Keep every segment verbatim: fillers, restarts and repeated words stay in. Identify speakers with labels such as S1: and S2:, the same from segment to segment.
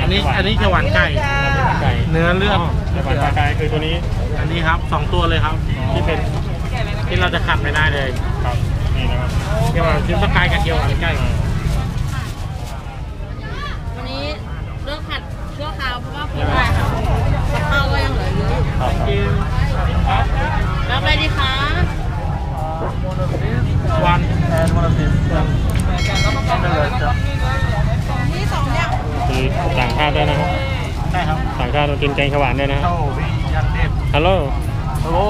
S1: อันนี้อันนี้เขียวหวานไก่
S2: ไก่
S1: เนื้อเลือด
S2: เขียวหวานปลากายคือตัวนี้
S1: อันนี้ครับสองตัวเลยครับที่เป็นที่เราจะขัดไม่ได้เลย
S2: ครับนี่นะครับ
S1: เขียวหวานชิ้นปลากายกับเขียวหวานไก่
S3: วันนี้เลือกผัดชั่วคราวเพราะว่าผมได้ค่ะข้าวก็ยังเหลือเยอะรับอะไรดีคะ
S1: วันแอนมอลติส
S3: นี่สองอย่าง
S2: คือต่างชาติด้วยนะครับ
S1: ใช่ครับ
S2: ต่างชาติมากินแกงเขียวหวานด้วยนะ
S1: โอ้พี่ยันเทพ
S2: ฮัลโหล
S1: ฮัลโหล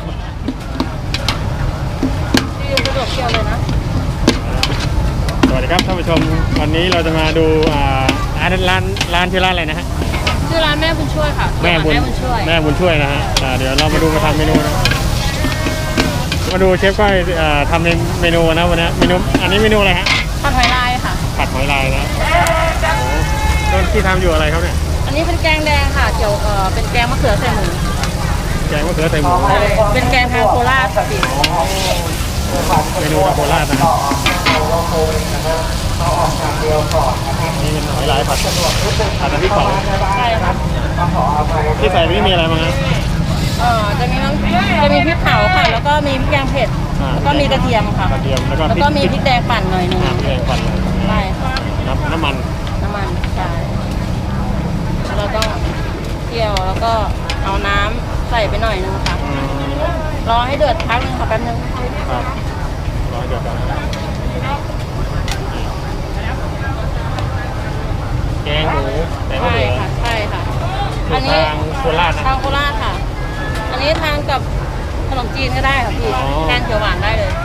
S3: ที่สะดวกเที่ยวเลยนะ
S2: สวัสดีครับท่านผู้ชมวันนี้เราจะมาดูอ่าร้านร้านร้านชื่อร้านอะไรนะฮะ
S3: ชื่อร้านแม่บุญช่วยค่ะ
S2: แม่บุญช่วยแม่บุญช่วยนะฮะเดี๋ยวเรามาดูมาทำเมนูนะมาดูเชฟก้อยทำเมนูนะวันนี้เมนูอันนี้เมนูอะไรฮะ
S3: ผัดหอยลายค่ะ
S2: ผัดหอยลายนะโอ้ต้นที่ทำอยู่อะไรครับเนี่ย
S3: อันนี้เป็นแกงแดงค่ะเกี่ยวเอ่อเป็นแกงมะเขือใส่หมู
S2: แกงมะเขือใส่หมู
S3: เป็นแกงทางโคราชค่ะพี่
S2: เมนูทางโคราชนะครับนี่เป็นหอยลายผัดผัดน้ำพริกเผา
S3: ใช่ครับ
S2: ที่ใส่ไม่มีอะไรมั้งฮะ
S3: เออจะมีน้ำจะมีพริกเผาค่ะแล้วก็มีพริกแกงเผ็ดแล้วก็มีกระเทียมค่ะ
S2: กระเทียมแล้วก็
S3: แล้วก็มีพริกแดงปั่นหน่อยนึง
S2: พริกแดงปั่น
S3: ใช่
S2: น้ำน้ำมัน
S3: น้ำมันใช่เราต้องเคี่ยวแล้วก็เอาน้ำใส่ไปหน่อยนึงค่ะรอให้เดือดพักนึงค่ะแป๊บนึง
S2: ครับรอให้เดือดก่อนแกงหมูแต่ไม่เหลือ
S3: ใช่ค่ะใช่ค่ะ
S2: อันนี้ทางโคราชนะ
S3: ทางโคราชค่ะอันนี้ทานกับขนมจีนก็ได้ค่ะพี่แทนเขียวหวานได้เลย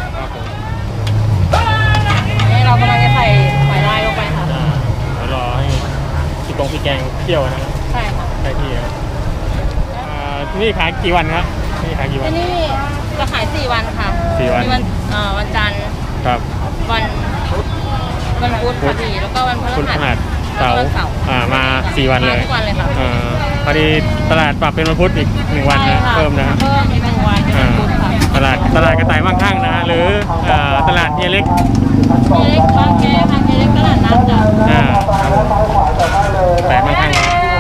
S3: นี่เรากำลังจะใส่หอยลายลงไปค่ะ
S2: รอให้พริกกงพริกแกงเคี่ยวนะ
S3: ใช่ค่ะ
S2: ใช่ที่ครับที่นี่ขายกี่วันครับที่นี่ขายกี่วัน
S3: ที่นี่จะขายสี่วันค่ะ
S2: สี่วัน
S3: มีวันวันจันทร์
S2: ครับ
S3: วันวันพุธค่ะพี่แล้วก็วันพฤหัส
S2: เสาร์อ่ามาสี่วันเลย
S3: ทุกวันเลยค่ะ
S2: พอดีตลาดปรับเป็นวันพุธอีกหนึ่งวันนะเพิ่มนะ
S3: เพิ่มอีกหนึ่งวันเป็นวันพุธค่ะ
S2: ตลาดตลาดกระต่ายมั่งคั่งนะหรือตลาดเฮียเล็ก
S3: เฮียเล็กบางแกค่ะเฮียเล็กตลาดน้ำจ้ะ
S2: อ่าแต่มั่งคั่ง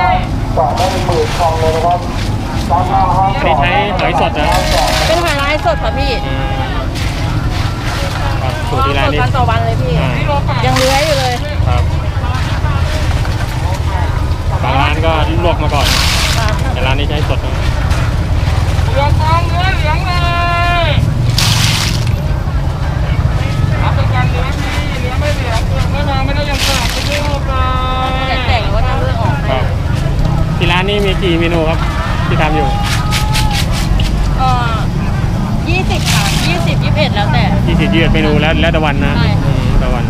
S2: อันนี้ใช้หอยสดนะ
S3: เป็นหอยลายสดค่ะพี่
S2: สูตรที่ร้านนี้
S3: วันต่อวันเลยพี่ยังเลื้อยอยู่เลย
S2: ครับบางร้านก็ลวกมาก่อนแต่ร้านนี้ใช้สดนะ
S1: เหลืองทองเนื้อเหลืองเลยรับประกันเนื้อที่เนื้อไม่เหลืองเปลือกไม่นานไม่ได้ยังขาดไม่ได้ออก
S3: เลยแต่งหรือว่าทำเรื่องออก
S2: ครับที่ร้านนี้มีกี่เมนูครับที่ทำอยู่
S3: เอ่อยี่สิบค่ะยี่สิบยี่สิบเอ็ดแล้วแต่
S2: ยี่สิบยี่สิบเมนูแล้วแล้วแต่วันนะ
S3: ใช่
S2: แต่วัน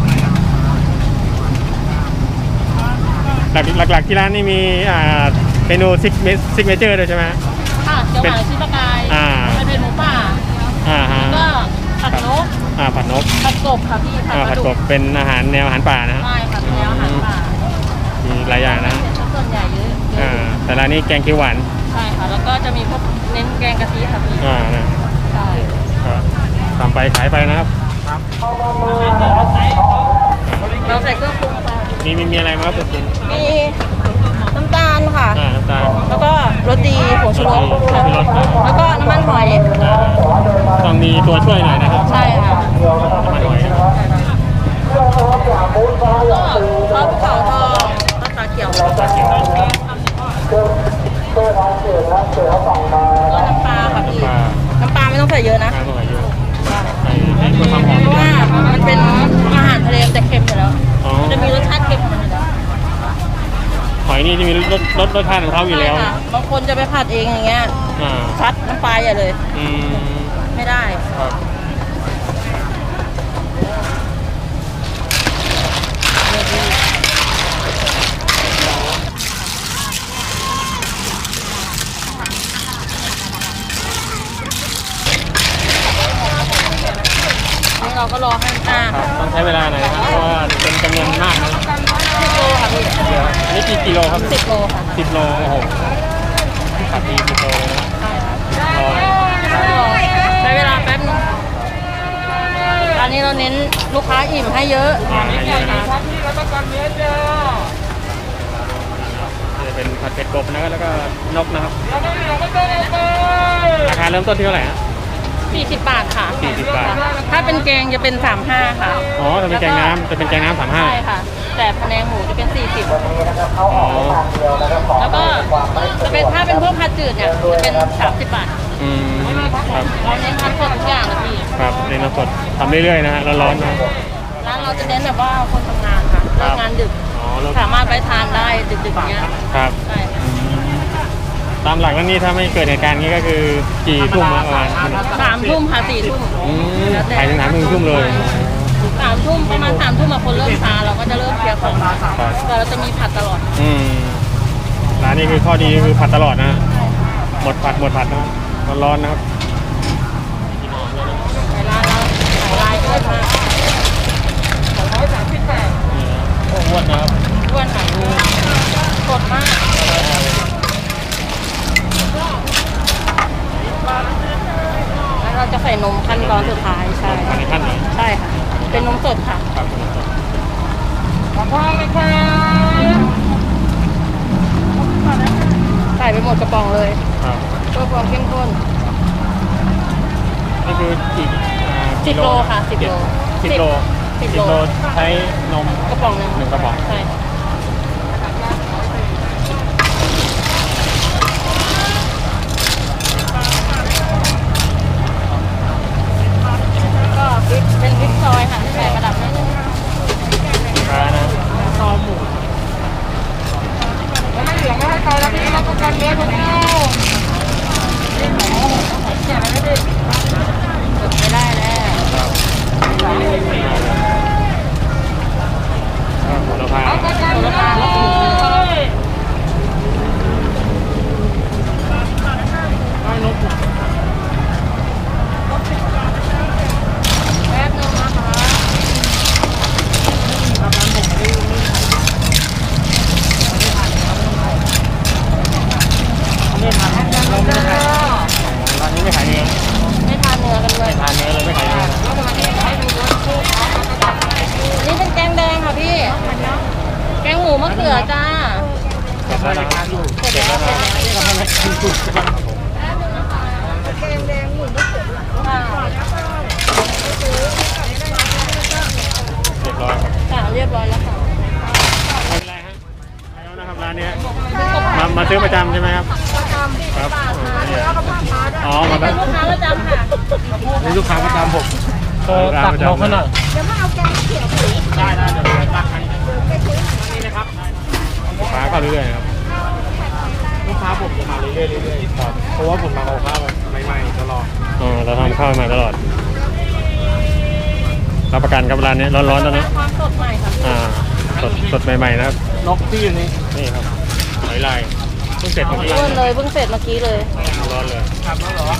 S2: หลักหลักๆที่ร้านนี่มีเมนูซิกซิกเมเจอร์ด้วยใช่ไหม
S3: ค่ะเขียวหวานชิ้นปลากายเป็นหมูป่าแล้วก็ผัดนก
S2: อ่าผัดนก
S3: ผัดกบค่ะพี่
S2: ผัดกบเป็นอาหารแนวอาหารป่านะ
S3: ใช่ค่ะแนวอาหารป่า
S2: มีหลายอย่างนะ
S3: ส่วนใหญ่เยอะ
S2: อ่าแต่ร้านนี้แกงเขียวหวาน
S3: ใช่ค่ะแล้วก็จะมีพวกเน้นแกงกะทิค่ะพี่
S2: อ่านะ
S3: ใช่
S2: ทำไปขายไปนะครับ
S1: ครับ
S3: เราใส่เครื่องปรุง
S2: มีมีมีอะไรมาครับคุณ
S3: มีน้ำตาลค่ะ
S2: น้ำตาล
S3: แล้วก็รสดีผงชูรสค่ะแล้วก็น้ำมันหอย
S2: ต้องมีตัวช่วยหน่อยนะครับ
S3: ใช่ค่ะ
S2: น้ำมันหอย
S3: ก็ซอสภูเขาทองมะขามเขียวก็น้ำปลาค่ะพี่น้ำปลาไม่ต้องใส่เยอะนะ
S2: ไม่ต้องใส่เยอะ
S3: ใส่ให้เพื่อความหอมเพราะว่ามันเป็นอาหารทะเลแต่เค็มอยู่แล้วมันจะมีรสชาติเค็มของมันอยู่แล้ว
S2: หอยนี่จะมีรสรสรสชาติของเขาอยู่แล้ว
S3: บางคนจะไปผัดเองอย่างเงี้ยซัดน้ำปลาอย่าเลยไม่ได้เราก็รอให้อ่า
S2: ต้องใช้เวลาหน่อยครับเพราะว่าเป็นจำนวนมากนะ
S3: สิบโลค่ะพี่
S2: อันนี้กี่กิโลครับ
S3: สิบโลค่ะ
S2: สิบโลโอ้โหขับดีสิบโลเลยนะ
S3: ใช้เวลาแป๊บนึงตอนนี้เราเน้นลูกค้าอิ่มให้เยอะ
S2: ให้เยอะนะกบนะครับแล้วก็นกนะครับ
S1: เลี้ยงไม่เหลือไม่ต้องเอาไป
S2: ราคาเริ่มต้นที่เท่าไหร่ฮะ
S3: สี่สิบบาทค่ะ
S2: สี่สิบบาท
S3: ถ้าเป็นแกงจะเป็นสามห้าค่ะ
S2: อ๋อจะเป็นแกงน้ำจะเป็นแกงน้ำสามห้า
S3: ใช่ค่ะ แต่พะแนงหมูจะเป็นสี่สิบ
S2: อ๋อ
S3: แล้วก็จะเป็นถ้าเป็นพวกผัดจืดเนี่ยจะเป็นสามสิบบาท
S2: อืมครับ
S3: เราเน้นทำสดทุกอย่างนะพี่
S2: ครับเรียนสดทำเรื่อยๆนะฮะร้อนๆนะ
S3: ร้านเราจะเน้นแบบว่าคนทำงานค่ะเลิกงานดึก
S2: อ๋อแล้ว
S3: สามารถไปทานได้ดึกๆเนี้ย
S2: ครับ
S3: ใช่ค่ะ
S2: ตามหลักแล้วนี่ถ้าไม่เกิดเหตุการณ์นี้ก็คือกี่ทุ่มอะประมาณ
S3: สามทุ่มค่ะสี่ทุ่ม
S2: อืมขายถึงสามทุ่มทุ่มเลย
S3: สามทุ่มประมาณสามทุ่มมาคนเริ่มซาเราก็จะเริ่มเคลียร์ของ
S2: ครับ
S3: แต่เราจะมีผัดตลอด
S2: อืมร้านนี้คือข้อดีคือผัดตลอดนะฮะหมดผัดหมดผัดนะร้อนๆนะครับ
S3: ในร้านเราขายลายด้วยค่ะ
S1: ร้อยสามสิบบาท
S2: นี่นะโอ้อ้วนนะครับ
S3: อ้วนค่ะสดมากแล้วเราจะใส่นมขั้นตอนสุดท้ายใช่
S2: อันนี้ขั้นไหน
S3: ใช่ค่ะ เป็นนมสดค่ะ
S2: ครับ
S1: ขอพ่อเลยค่ะ
S3: ใส่ไปหมดกระป๋องเลย
S2: ครับ
S3: เพื่อความเข้มข้น
S2: นี่คืออีกอ่า
S3: สิบโลค่ะสิบโล
S2: สิบโล
S3: สิบ
S2: สิบ
S3: โล
S2: โลใช้นม
S3: กระป๋องหนึ่ง
S2: หนึ่งกระป๋อง
S3: ใช่ก็พริกเป็นพริกซอยค่ะที่ใส่ประดับนิดนึง
S2: ค้านะคอหมู
S1: แล้วไม่เหลือไม่ให้ใครแล้วพี่รับประกันเลี้ยงทุกคู่แก่ไม่ได้
S3: ไม่ได้แล้ว
S2: โหระพา
S1: รับประกันเลย
S2: ให้นก
S3: แป๊บนึงนะคะ
S2: ไม่ทานเราไม่ขายร้านนี้ไม่ขายเนื้อ
S3: ไม่ทานเนื้อกันด้วย
S2: ไม่ทานเนื้อเลยไม่ขายเนื้อ
S3: อันนี้เป็นแกงแดงค่ะพี่ แกงหมูมะเขือจ้า
S2: เก็บแล้วนะครับ
S3: เสร็จแล้วเสร็จแล้วค่ะ
S2: เรียบร้อยครับ
S3: ค่ะเรียบร้อยแล้วค่ะ
S2: ไม่เป็นไรฮะแล้วนะครับร้านนี้มามาซื้อประจำใช่ไหมครับครับอ๋อมาแบ
S3: เป็
S2: บ
S3: นลูกค้าประจำค่ะ
S2: นี่ลูกค้าประจำผมเออตักนกให้หน่อยได้ได้เดี๋ยวไปตักให้นี่นะครับลูกค้าก็เรื่อยๆครับลูกค้าผมจะมาเรื่อยๆเรื่อยๆครับเพราะว่าผมมาเอาข้าวใหม่ๆตลอดอ๋อเราทำข้าวใหม่ตลอดรับประกันครับร้านนี้ร้อนๆตอนนี้
S3: ความสดใหม่ค่ะ
S2: อ่าสดสดใหม่ๆนะครับ
S1: นกที่อยู่นี่
S2: นี่ครับหอยลายเพิ่งเสร็จเมื่อกี้
S3: เพิ่งเลยเพิ่งเสร็จเมื่อกี้เลย
S2: ร้อนเลย
S1: ทำแล้วเหรอ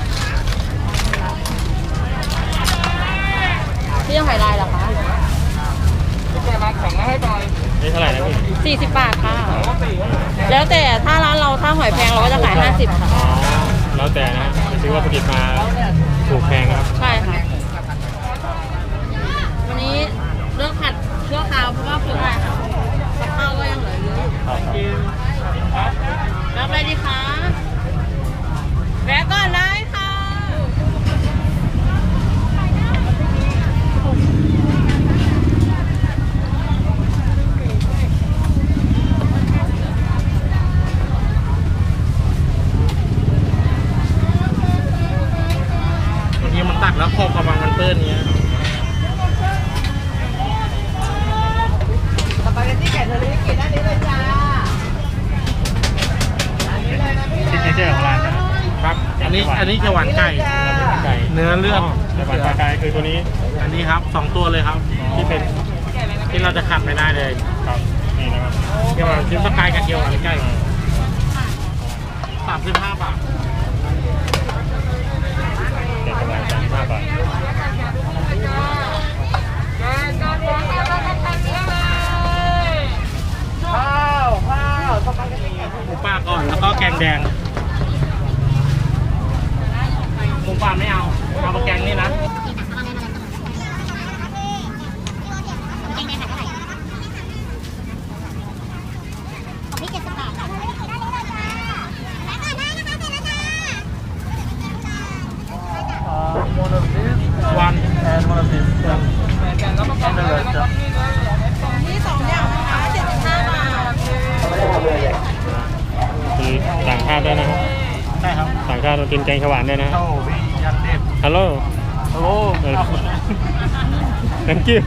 S3: พี่ยังหอยลายเหรอคะ
S1: พี่แกมาของมาให้หน่อย
S2: นี่เท่าไหร่นะพี่
S3: สี่สิบบาทค่ะ
S1: ปกติ
S3: แล้วแต่ถ้าร้านเราถ้าหอยแพงเราก็จะขายห้าสิบค่ะ
S2: อ๋อแล้วแต่นะไปซื้อวัตถุดิบมาถูกแพงนะครับ
S3: ใช่ค่ะ วันนี้เลือกผัดชั่วคราวเพราะว่าเผื่ออะไรค่ะกับข้าวก็ยังเหลือเยอะอยู่
S2: ครับ
S3: รับอะไรดีคะแวะก่อนได้ค่ะ
S2: บางทีมันตักแล้วขอบกระบังมันเปื้อนเนี้ย
S1: สปาเกตตี้ไก่เทอริยากิด้านนี้เลยจ้าอันนี้เลยนะพี่
S2: ซิกเนเจอร์ของร้านนะครับ
S4: อันนี้อันนี้จะหวานไก่
S2: ไก่
S4: เนื้อเลือด
S2: แต่หวานปลากายคือตัวนี้
S4: อันนี้ครับสองตัวเลยครับ ที่เป็นที่เราจะขัดไม่ได้เลย
S2: ครับนี่นะครับ
S4: เกี่ยวกับชิ้นสกายกับเกี๊ยวหวานไก่สามสิบห้าบาท
S2: เด็ดกำลังสามสิบห้าบาท
S1: แกงกะหรี่แล้วก็ทานเนื้อเลยข้าวข้าวสปาเกตตี้ไก่
S4: หมูป่าก่อนแล้วก็แกงแดงหมูป่าไม่เอาเอาแกงนี่นะ
S5: ของพี่เจ็ดสิบบาทค่ะ
S3: นี่สองอย่างนะคะเจ็ดสิบห้าบาท
S2: มีต่างชาติด้วยนะครับ
S4: ใช่ครับ
S2: ต่างชาติมากินแกงเขียวหวานด้วยนะ
S4: โอ้พี่ยันเด็ด
S2: ฮัลโหล
S4: ฮัลโหล
S2: thank you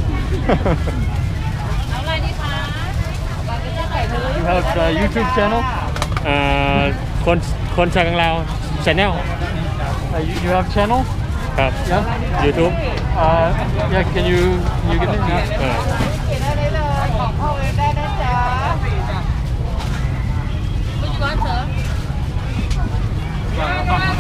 S3: เอาอะไรดีคะบาร์บีคิวไก่เลย
S4: You have a YouTube channel
S2: อ่าคนคนชาวกังลาว channel
S4: uh, you, you have channel
S2: ครับ
S4: yeah
S2: YouTube
S4: uh, yeah can you you get it yeah
S2: เออ
S3: ได้เลยของพ่อเวฟได้นะจ๊ะไม่จุ๊บเถอะ